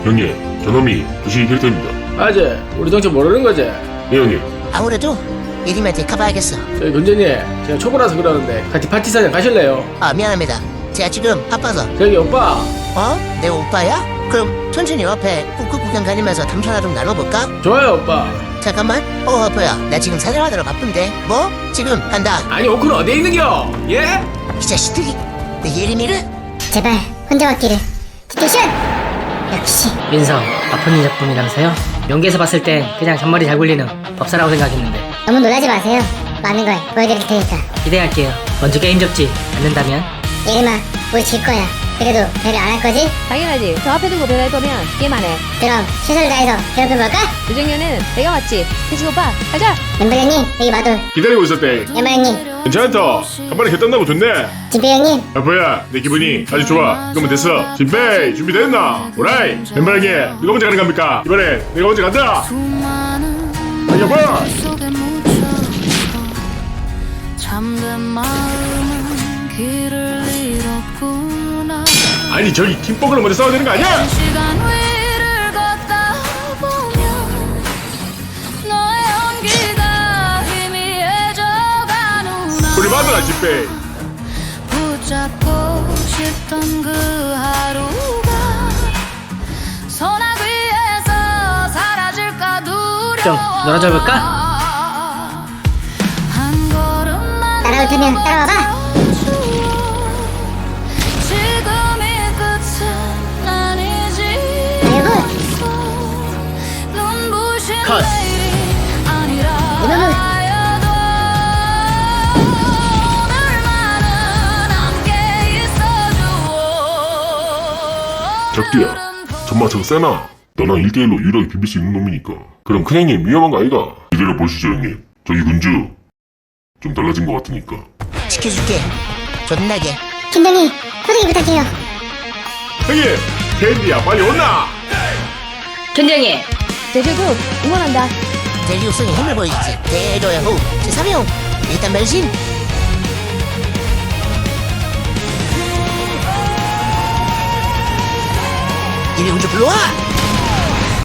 형님, 저놈이 부시 캐릭터입니다. 아재 우리 정체 모르는 거지? 예, 형님. 아무래도 예림한테 가봐야겠어. 저희 근전이 제가 초보라서 그러는데 같이 파티 사냥 가실래요? 아, 미안합니다. 제가 지금 바빠서. 저기 오빠 어? 내 오빠야? 그럼 천천히 옆에 꾹꾹 구경 다니면서 담소나 좀 나눠볼까? 좋아요 오빠. 잠깐만. 오빠야, 나 지금 사냥하느라 바쁜데. 뭐? 지금 한다. 아니 오크는 어디에 있는겨? 예? 이 자식들이 내 예림이를? 제발 혼자 왔기를. 디테션! 역시 민성, 아픈 작품이라면서요? 연기에서 봤을 때 그냥 잔머리 잘 굴리는 법사라고 생각했는데 너무 놀라지 마세요. 많은 걸 보여드릴 테니까. 기대할게요. 먼저 게임 접지 않는다면? 예림아, 우리 질 거야. 그래도 배를 안 할 거지? 당연하지. 저 앞에 두고 배달 거면 게임 안 해. 그럼 최선을 다해서 괴롭혀볼까? 요정년은 내가 왔지. 태식 오빠, 가자. 연발 형님, 여기 마돌. 기다리고 있었대. 연발 형님, 괜찮다. 한 번에 개땀나고 좋네. 진배 형님. 아빠야, 내 기분이 아주 좋아. 그러면 됐어. 진페이, 준비됐나? 오라이. 멤버에게 누가 먼저 가는 겁니까? 이번엔 내가 먼저 간다. 아, 여보! 잠든 마음은 길을 잃었구나. 아니, 저기 팀버그를 먼저 싸워야 되는 거 아니야? 시간 위를 걷다 보면 너의 연기가 희미해져가는구나. 우리 마누라 진페이. 붙잡고 싶던 그 하루가 소나기 위에서 사라질까 두려워. 좀 놀아줘 볼까? 한 걸음만 따라올 테면 따라와봐. 지금이 끝은 아니지. 아이고, 눈부신 컷. 내일이 아니라 이놈은. 하여도 오늘만은 함께 있어줘. 적두야, 정말 저 세나? 너랑 1대1로 유일하게 비빌 수 있는 놈이니까. 그럼 큰 형님 위험한 거 아이가? 기다려 보시죠, 형님. 저기 군주 좀 달라진 것 같으니까. 지켜줄게. 존나게. 김동희, 소개기 부탁해요. 형님, 캔디야 빨리 온나? 견정이! 대제국 응원한다. 대리육성의 힘을 보여주지. 대도의 호흡. 제3형. 일단 변신. 이리 군주 불러와.